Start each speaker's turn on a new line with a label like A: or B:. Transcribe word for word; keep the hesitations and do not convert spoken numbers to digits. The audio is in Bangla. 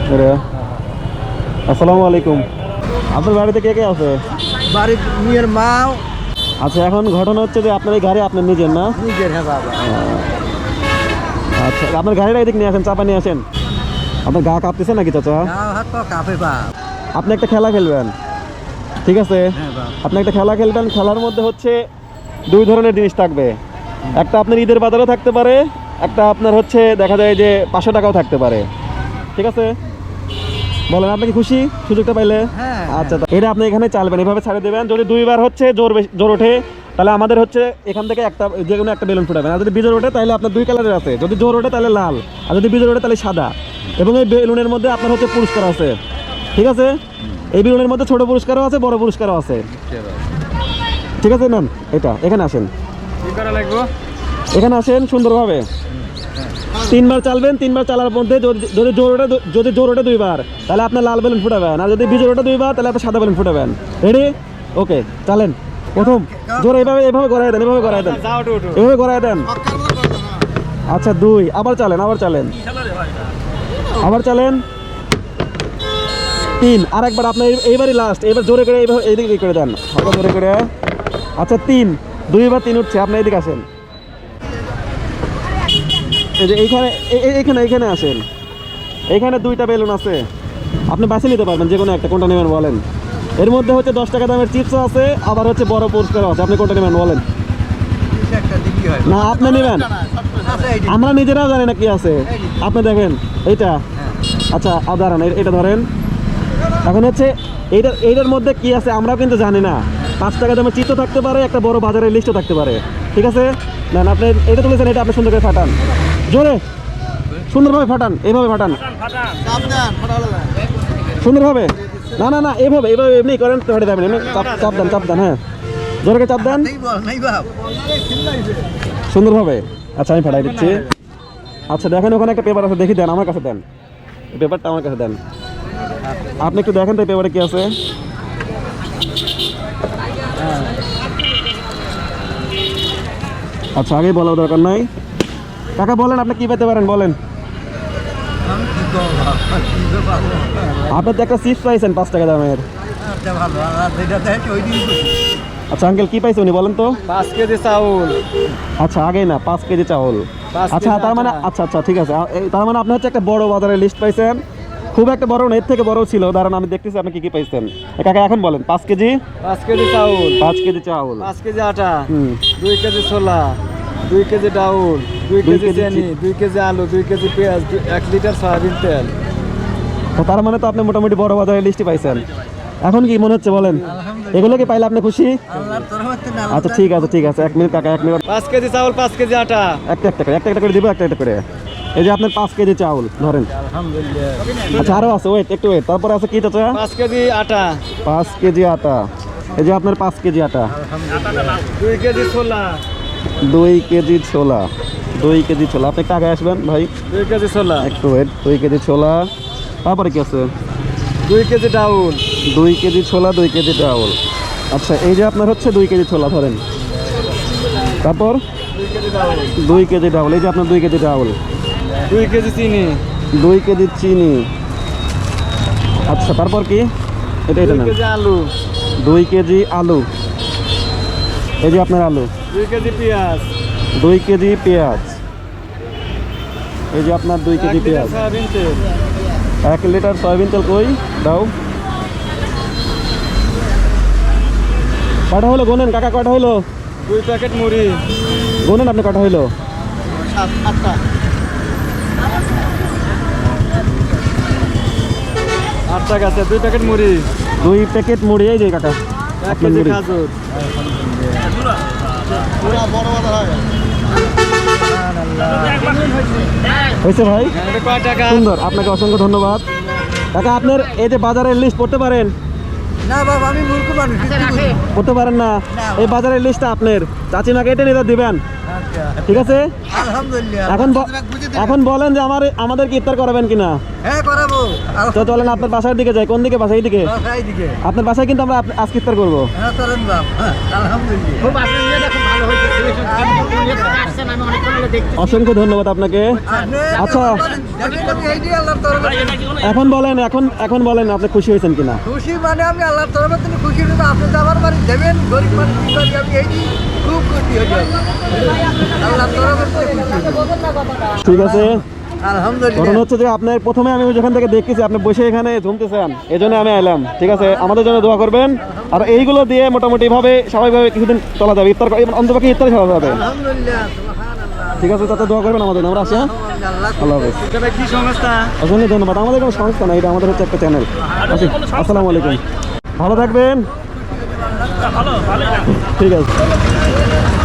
A: আসসালামু আলাইকুম। আপনার বাড়িতে কে কে আছে?
B: বাড়ির মেয়ের মা।
A: আচ্ছা, এখন ঘটনা হচ্ছে যে আপনার এই গাড়ি আপনার নিজের না?
B: নিজের। হ্যাঁ বাবা।
A: আচ্ছা, আপনার গাড়িটা এদিক নিয়ে আসেন, চাপা নিয়ে আসেন। আপনার গা কাঁপতেছে নাকি চাচা?
B: কাঁপে বাপ।
A: আপনি একটা খেলা খেলবেন, ঠিক আছে?
B: হ্যাঁ বাপ।
A: আপনি একটা খেলা খেলবেন, খেলার মধ্যে হচ্ছে দুই ধরনের জিনিস থাকবে। একটা আপনার ঈদের বাজারও থাকতে পারে, একটা আপনার হচ্ছে দেখা যায় যে পাঁচশো টাকাও থাকতে পারে, ঠিক আছে? বলেন, আপনি কি খুশি সুযোগটা পাইলে?
B: হ্যাঁ।
A: আচ্ছা, এটা আপনি এখানে চালবেন, এভাবে ছাড়ে দেবেন। যদি দুইবার হচ্ছে জোর বেশি- জোর ওঠে, তাহলে আমাদের হচ্ছে এখান থেকে একটা যে কোনো একটা বেলুন ফুটাবেন। আর যদি বিজোর ওঠে তাহলে আপনার দুই কালারের আছে, যদি জোর ওঠে তাহলে লাল, আর যদি বিজোর ওঠে তাহলে সাদা। এবং এই বেলুনের মধ্যে আপনার হচ্ছে পুরস্কার আছে, ঠিক আছে? এই বেলুনের মধ্যে ছোট পুরস্কারও আছে, বড় পুরস্কারও আছে, ঠিক আছে? নেন এটা, এখানে আসেন,
B: কি করা লাগবে?
A: এখানে আসেন সুন্দরভাবে। তিনবার চালবেন, তিনবার চালার মধ্যে যদি যদি জোর ওঠে যদি জোর ওঠে দুইবার তাহলে আপনার লাল বেলুন ফুটাবেন, আর যদি বিজোর ওঠে দুইবার তাহলে আপনি সাদা বেলুন ফুটাবেন। রেডি? ওকে, চালেন। প্রথম জোর এইভাবে এইভাবে গড়াই দেন, এভাবে গড়াই দেন, এভাবে গড়াই দেন। আচ্ছা, দুই, আবার চালেন, আবার চালেন, আবার চালেন। তিন, আর একবার আপনার এইবারই লাস্ট, এবার জোরে করে এইভাবে এইদিকে করে দেন, হালকা জোরে করে। আচ্ছা, তিন, দুইবার তিন উঠছে, আপনি এইদিকে আসেন। এই যে এইখানে এইখানে এইখানে আসেন, এইখানে দুইটা বেলুন আছে, আপনি বাছে নিতে পারবেন যে কোনো একটা, কোনটা নেবেন বলেন? এর মধ্যে হচ্ছে দশ টাকা দামের চিপসও আছে, আবার হচ্ছে বড় পুরস্কারও আছে, আপনি কোনটা নেবেন বলেন? না, আপনি নেবেন, আমরা নিজেরাও জানি না কি আছে, আপনি দেখেন এইটা। আচ্ছা, আর দাঁড়ান, এটা ধরেন। এখন হচ্ছে এইটার এইটার মধ্যে কি আছে আমরাও কিন্তু জানি না। পাঁচ টাকা দামের চিপসও থাকতে পারে, একটা বড় বাজারের লিস্টও থাকতে পারে, ঠিক আছে? না না, আপনি এটা তুলেছেন, এটা আপনি সুন্দর করে ফাটান, জোরে সুন্দরভাবে ফাটান, এইভাবে ফাটান সুন্দরভাবে। না না না, এইভাবে এইভাবে এমনি করেন, ফাটে যাবেন, এমনি চাপ চাপ দেন, চাপ দেন, হ্যাঁ, জোরে করে চাপ দেন সুন্দরভাবে। আচ্ছা, আমি ফাটাই দিচ্ছি। আচ্ছা, দেখেন ওখানে একটা পেপার আছে, দেখি দেন, আমার কাছে দেন, এই পেপারটা আমার কাছে দেন। আপনি একটু দেখেন তো এই পেপারে কি আছে। আচ্ছা, আগেই বলার দরকার নাই। কাকা বলেন, আপনি কি পেতে পারেন বলেন? আপনি তো একটা চিপস পাইছেন পাঁচ টাকা দামের। আচ্ছা আঙ্কেল, কি পাইছে উনি বলেন তো?
B: পাঁচ কেজি চাউল।
A: আচ্ছা, আগে না, পাঁচ কেজি চাউল। আচ্ছা, তার মানে আচ্ছা আচ্ছা ঠিক আছে, তার মানে আপনি হচ্ছে একটা বড় বাজারের লিস্ট পাইছেন, খুব একটা বড় না, এর থেকে বড় ছিল। দাঁড়ান, আমি দেখতেছি আপনি কি কি পাইছেন। কাকা এখন বলেন, পাঁচ কেজি
B: পাঁচ কেজি চাউল,
A: পাঁচ কেজি চাউল,
B: পাঁচ কেজি আটা,
A: হুম,
B: দুই কেজি ছোলা, দুই কেজি ডাউল, দুই কেজি চিনি, দুই কেজি আলু, দুই কেজি পেঁয়াজ, এক লিটার সয়াবিন তেল।
A: তো তার মানে তো আপনি মোটামুটি বড় বাজারের লিস্টই পাইছেন। এখন কি মনে হচ্ছে বলেন? এগুলো কি পাইলে আপনি খুশি? আচ্ছা, ঠিক আছে ঠিক আছে, এক মিনিট কাকা, এক মিনিট।
B: পাঁচ কেজি চাউল, পাঁচ কেজি আটা,
A: একটা একটা করে একটা একটা করে দিব, একটা একটা করে। এই যে আপনার পাঁচ কেজি চাউল ধরেন।
B: আলহামদুলিল্লাহ।
A: আচ্ছা, আরো আছে, ওয়েট একটু ওয়েট, তারপরে আছে কি চাচা?
B: পাঁচ কেজি আটা,
A: পাঁচ কেজি আটা। এই যে আপনার পাঁচ কেজি আটা।
B: দুই কেজি ছোলা,
A: দুই কেজি ছোলা, দুই কেজি ছোলা। আপনি একটু আগে আসবেন ভাই,
B: দুই কেজি ছোলা,
A: একটু ওয়েট। দুই কেজি ছোলা, তারপরে কি আছে?
B: দুই কেজি ডাউল,
A: দুই কেজি ছোলা, দুই কেজি ডাউল। আচ্ছা, এই যে আপনার হচ্ছে দুই কেজি ছোলা ধরেন, তারপর
B: দুই কেজি ডাউল,
A: দুই কেজি ডাউল। এই যে আপনার দুই কেজি ডাউল,
B: দুই কেজি চিনি,
A: দুই কেজি চিনি। আচ্ছা, তারপর কি? এটা এটা
B: দুই
A: না,
B: কেজি আলু,
A: দুই কেজি আলু। এই যে আপনার আলু।
B: দুই কেজি পেঁয়াজ,
A: দুই কেজি পেঁয়াজ। এই যে আপনার দুই কেজি
B: এক লিটার
A: পেঁয়াজ।
B: সয়াবিন তেল,
A: এক লিটার সয়াবিন তেল কই দাও। কটা হলো গোনেন কাকা, কটা হলো?
B: দুই প্যাকেট মুড়ি,
A: গোনেন আপনি, কটা হলো?
B: আটটা, আটটা গেছে। দুই প্যাকেট মুড়ি,
A: দুই প্যাকেট মুড়ি। এই যে কাকা
B: এক
A: আপনার
B: কেজি
A: মুড়ি।
B: খাজুর।
A: হয়েছে ভাই,
B: এটা কয় টাকা?
A: সুন্দর, আপনাকে অসংখ্য ধন্যবাদ। কাকা, আপনার এই যে বাজারের লিস্ট পড়তে পারেন?
B: না বাবা, আমি মূর্খ মানুষ,
A: পড়তে পারেন না? এই বাজারের লিস্টটা আপনার চাচিমাকে এটা নিয়ে দিবেন, ঠিক আছে?
B: আলহামদুলিল্লাহ।
A: এখন ব- এখন বলেন যে আমার আমাদের কি ইফতার করাবেন কিনা?
B: হ্যাঁ করাবো।
A: তো চলেন আপনার বাসার দিকে যাই। কোন দিকে বাসা? এইদিকে।
B: এইদিকে।
A: আপনার বাসায় কিন্তু আমরা আপ- আজকে ইফতার করবো।
B: হ্যাঁ চলেন বাপ। আলহামদুলিল্লাহ।
C: ভালো হয়েছে সিলেকশন দুনিয়া থেকে আসছেন আমি অনেকক্ষণ হলো দেখতেছি
A: অসংখ্য ধন্যবাদ আপনাকে। আচ্ছা এখন বলেন, এখন এখন বলেন আপনি খুশি হয়েছেন কিনা?
D: খুশি মানে আমি আল্লাহর তরফে তিনি খুশি হয়ে আপনি তো আমার বাড়ি দেবেন গরিব মানুষ কি করি আমি এই যে খুব খুশি হয়ে যাই আল্লাহর তরফে থেকে খুশি।
A: ঠিক আছে,
D: আলহামদুলিল্লাহ।
A: ঘটনা হচ্ছে যে আপনার প্রথমে আমি যেখান থেকে দেখতেছি আপনি বসে এখানে ঝুমতেছেন, এই জন্য আমি এলাম। ঠিক আছে, আমাদের জন্য দোয়া করবেন। আর এইগুলো দিয়ে মোটামুটি ভাবে স্বাভাবিকভাবে কিছুদিন চলা যাবে, ইফতার অন্তপক্ষে ইফতার খাওয়া যাবে।
D: আলহামদুলিল্লাহ সুবহানাল্লাহ।
A: ঠিক আছে, তাতে দোয়া করবেন আমাদের। আমরা আসি, হ্যাঁ?
D: আল্লাহ
A: আল্লাহ হাফেজ।
B: এটা কি সংস্থা?
A: অসংখ্য ধন্যবাদ। আমাদের কোনো সংস্থা না, এটা আমাদের হচ্ছে একটা চ্যানেল। আসি, আসসালামু আলাইকুম, ভালো থাকবেন। ঠিক আছে।